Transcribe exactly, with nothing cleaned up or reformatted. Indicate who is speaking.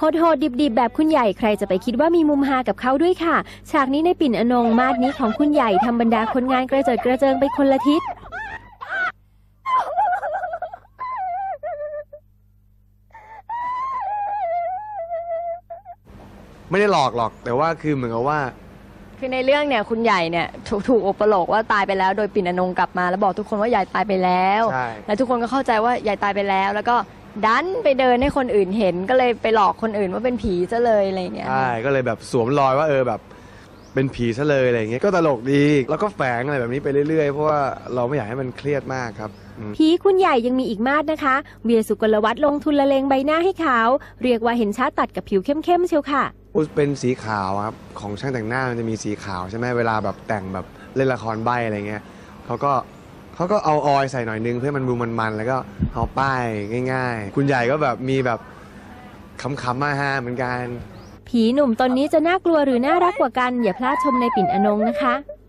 Speaker 1: โหดๆดิบๆแบบคุณใหญ่ใครจะไปคิดว่ามีมุมฮากับเขาด้วยค่ะฉากนี้ในปิ่นอนงมาดนี้ของคุณใหญ่ทำบรรดาคนงานกระเจิดกระเจิงไปคนละทิศ
Speaker 2: ไม่ได้หลอกหรอกแต่ว่าคือเหมือนกับว่า
Speaker 3: คือในเรื่องเนี่ยคุณใหญ่เนี่ยถูกถูกอุปโลกว่าตายไปแล้วโดยปิ่นอนงกลับมาแล้วบอกทุกคนว่าใหญ่ตายไปแล้วแล้วทุกคนก็เข้าใจว่าใหญ่ตายไปแล้วแล้วก็ดันไปเดินให้คนอื่นเห็นก็เลยไปหลอกคนอื่นว่าเป็นผีซะเลยอะไรเงี้ย
Speaker 2: ใช่ก็เลยแบบสวมรอยว่าเออแบบเป็นผีซะเลยอะไรเงี้ยก็ตลกดีแล้วก็แฝงอะไรแบบนี้ไปเรื่อยๆเพราะว่าเราไม่อยากให้มันเครียดมากครับ
Speaker 1: ผีคุณใหญ่ยังมีอีกมาดนะคะเวียสุกลวัฒน์ลงทุนละเลงใบหน้าให้ขาวเรียกว่าเห็นชัดตัดกับผิวเข้มๆเชียวค่ะ
Speaker 2: เป็นสีขาวครับของช่างแต่งหน้ามันจะมีสีขาวใช่ไหมเวลาแบบแต่งแบบเล่นละครใบอะไรเงี้ยเขาก็เขาก็เอาออยใส่หน่อยนึงเพื่อมันดูมันๆแล้วก็เอาป้ายง่ายๆคุณใหญ่ก็แบบมีแบบขำๆมาฮาเหมือนกัน
Speaker 1: ผีหนุ่มตนนี้จะน่ากลัวหรือน่ารักกว่ากันอย่าพลาดชมในปิ่นอนงนะคะ